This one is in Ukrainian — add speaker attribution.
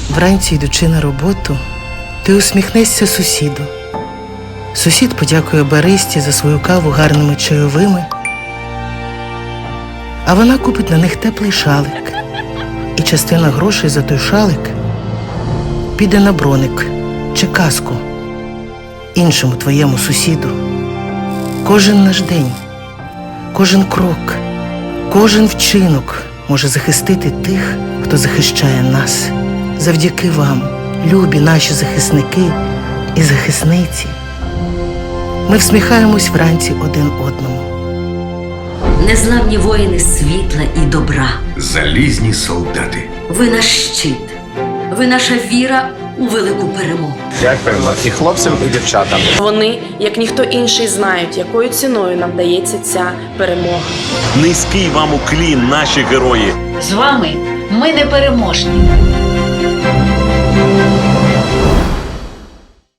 Speaker 1: Вранці, йдучи на роботу, ти усміхнешся сусіду. Сусід подякує баристі за свою каву гарними чайовими, а вона купить на них теплий шалик. І частина грошей за той шалик піде на броник чи каску іншому твоєму сусіду. Кожен наш день, кожен крок, кожен вчинок може захистити тих, хто захищає нас. Завдяки вам, любі наші захисники і захисниці, ми всміхаємось вранці один одному.
Speaker 2: Незламні воїни світла і добра.
Speaker 3: Залізні солдати.
Speaker 2: Ви наш щит. Ви наша віра у велику перемогу.
Speaker 4: Дякуємо і хлопцям, і дівчатам.
Speaker 5: Вони, як ніхто інший, знають, якою ціною нам дається ця перемога.
Speaker 6: Низький вам уклін, наші герої.
Speaker 7: З вами ми непереможні.